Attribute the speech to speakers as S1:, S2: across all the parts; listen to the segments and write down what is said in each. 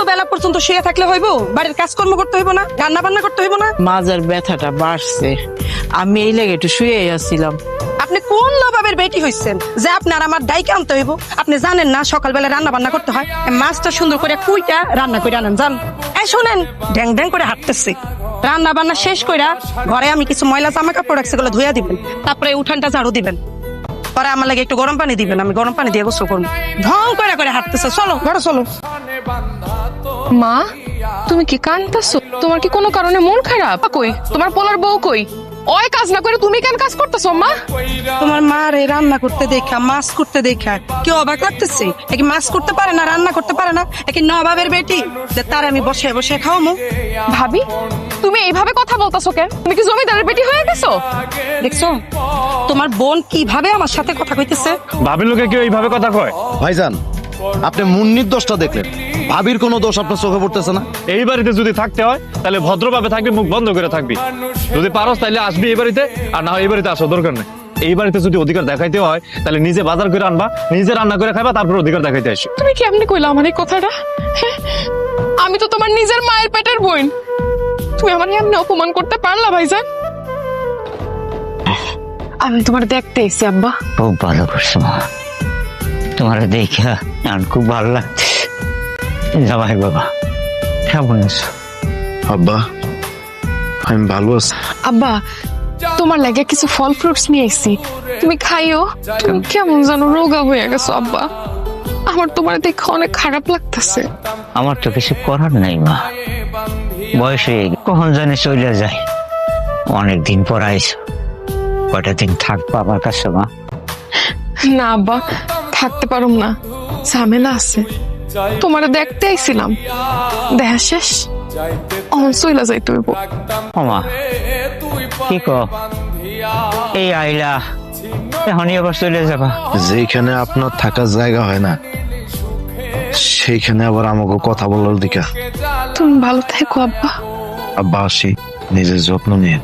S1: বেলা পর্যন্ত শুয়ে থাকলে হইব? বাড়ির কাজকর্ম করতে হইব না? রান্না বান্না করতে হইব না?
S2: মাজার ব্যথাটা বাড়ছে, আমি এই লেগে একটু শুয়ে আসছিলাম।
S1: আপনি কোন নবাবের বেটি হইছেন যে আপনার আমার ডাইকে আনতে হইব? আপনি জানেন না সকালবেলা রান্না বান্না করতে হয়? মাছটা সুন্দর করে কুইটা রান্না করে আনেন, জান। এই শোনেন, ড্যাং ড্যাং করে হাঁটতেছে। রান্না বান্না শেষ কইরা ঘরে আমি কিছু ময়লা জামা কাপড় রাখছি, গুলো ধুইয়া দিবেন। তারপরে উঠানটা ঝাড়ু দিবেন। পরে আমার লাগে একটু গরম পানি দিবেন, আমি গরম পানি দিয়ে গোসল করবো। ঢং করে করে হাঁটতেছে। চলো ঘরে চলো।
S3: মা, তুমি কি কাঁদতেছো? তোমার কি কোনো কারণে মন খারাপ? কই তোমার পোলার বউ কই? ওই কাজ না করে তুমি কেন কাজ করতেছো মা?
S1: তোমার মা রে রান্না করতে দেখা, মাছ করতে দেখা কি অবাক লাগতেছে? কি মাছ করতে পারে না, রান্না করতে পারে না? কি নবাবের বেটি যে তার আমি বসে বসে খাওয়ামু?
S3: ভাবি, তুমি এইভাবে কথা বলতেছো কেন? তুমি কি জমিদারের বেটি হয়ে গেছো?
S1: দেখছো তোমার বোন কিভাবে আমার সাথে কথা কইতেছে?
S4: ভাবির লোকে কেউ এইভাবে কথা কয়?
S5: ভাইজান, আপনি মুন্নির দোষটা দেখলেন, ভাবির কোনো দোষ আপনার চোখে পড়তেছে না?
S4: এই বাড়িতে যদি থাকতে হয় তাহলে ভদ্রভাবে থাকবি, মুখ বন্ধ করে থাকবি। যদি পারস তাহলে আসবি এই বাড়িতে, আর না হয় এই বাড়িতে আসো, দরকার নেই। এই বাড়িতে যদি অধিকার দেখাইতে হয় তাহলে নিজে বাজার করে আনবা, নিজে রান্না করে খাইবা, তারপর অধিকার দেখাইতে আসি।
S3: তুমি কেমনে কইলা আমার এই কথাটা? হ্যাঁ? আমি তো তোমার নিজের মায়ের পেটের বোন। তুমি আমার এমনি অপমান করতে পারলা ভাইজান? আমি তোমার দেখতে এসেছি আব্বা।
S6: খুব ভালো করছো মা, তোমার দেখা আমার খুব ভালো লাগছে। জামাই বাবা কেমন আছো?
S5: আব্বা, আমি ভালো আছি।
S3: আব্বা, তোমার লাগে কিছু ফল ফ্রুটস নিয়ে এসেছি, তুমি খাইও। তুমি কেমন জানো রোগা হয়ে গেছো আব্বা, আমার তোমার দেখে অনেক খারাপ লাগতেছে।
S6: আমার তো কিছু করার নাই মা, বয়সে কখন জানি চলে যায়। অনেকদিন পর আইছো, কয়টা দিন থাকবো আমার কাছে মা?
S3: না আব্বা, থাকতে পারুম না, ঝামেলা আছে। তোমার দেখতে আইছিলাম, দেখা শেষ অন চইলা যাইতে হইব।
S6: ও মা, কি কো? এই আইলা এখনই আবার চলে যাবা?
S5: যেখানে আপনার থাকার জায়গা হয় না সেইখানে আবার আমাকে কথা বলার দিকা।
S3: তুমি ভালো থেকো আব্বা।
S5: আব্বা আসি, নিজের যত্ন নিয়ে।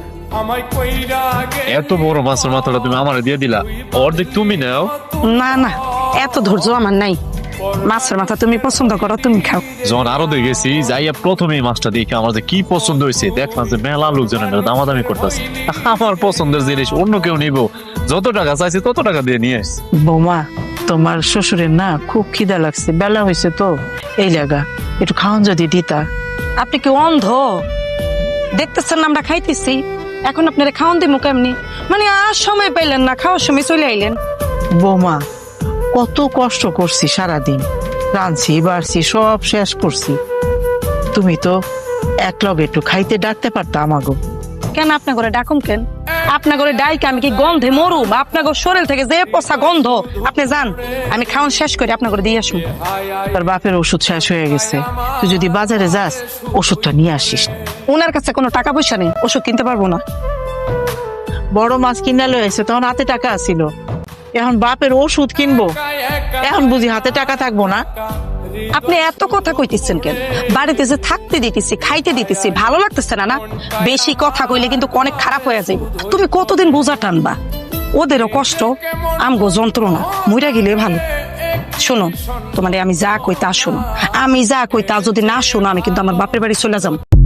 S4: এত বড় মাছের মাথাটা তুমি আমারে দিয়ে দিলা, অর্ধেক তুমি নাও।
S1: না না, এত ধৈর্য আমার নাই। মাছের মাথা তুমি পছন্দ করো, তুমি খাও।
S4: যখন আরো দিয়ে গেছি, যাইয়া প্রথমে এই মাছটা দেখে আমার যে কি পছন্দ হয়েছে, দেখলাম যে মেলা লোকজনের দামাদামি করতেছে। আমার পছন্দের জিনিস অন্য কেউ নিব, যত টাকা চাইছে তত টাকা দিয়ে নিয়ে আসছে।
S2: বৌমা, তোমার শ্বশুরের না খুব খিদা লাগছে, বেলা হয়েছে তো, এই লাগা একটু খাওয়ান যদি দিতা।
S1: আপনি কি অন্ধ? দেখতেছেন না আমরা খাইতেছি, এখন আপনারা খাওয়ান দিমু কেমনি? মানে আর সময় পাইলেন না, খাওয়ার সময় চলে আইলেন।
S2: বৌমা, কত কষ্ট করছি সারাদিন, রাঁধছি বাড়ছি সব শেষ করছি, তুমি তো এক লগে একটু খাইতে ডাকতে পারতা আমাগো।
S1: কেন আপনার ঘরে ডাকুম কেন? আপনার ঘরে ডাইকে আমি কি গন্ধে মরুম? আপনার শরীর থেকে যে পচা গন্ধ, আপনি যান, আমি খাওয়ান শেষ করে আপনার ঘরে দিয়ে আসুন।
S2: তার বাপের ওষুধ শেষ হয়ে গেছে, তুই যদি বাজারে যাস ওষুধটা নিয়ে আসিস।
S1: ওনার কাছে কোনো টাকা পয়সা নেই, ওষুধ কিনতে পারবো না।
S2: বড় মাছ কিনে লয়েছে, তখন হাতে টাকা আছিল, এখন বাপের ওষুধ কিনবো, এখন বুঝি হাতে টাকা থাকবো না?
S1: আপনি এত কথা কইতেছেন কেন? বাড়িতে যে থাকতে দিতেছি, খাইতে দিতেছি, ভালো লাগতেছে না? না, বেশি কথা কইলে কিন্তু অনেক খারাপ হয়ে যাবে। তুমি কতদিন বোঝা টানবা? ওদেরও কষ্ট, আমগো যন্ত্রণা, মইরা গেলে ভালো। শোনো, তোমার আমি যা কই তা শোনো, আমি যা কই তা যদি না শোনো, আমি কিন্তু আমার বাপের বাড়ি চলে যাবো।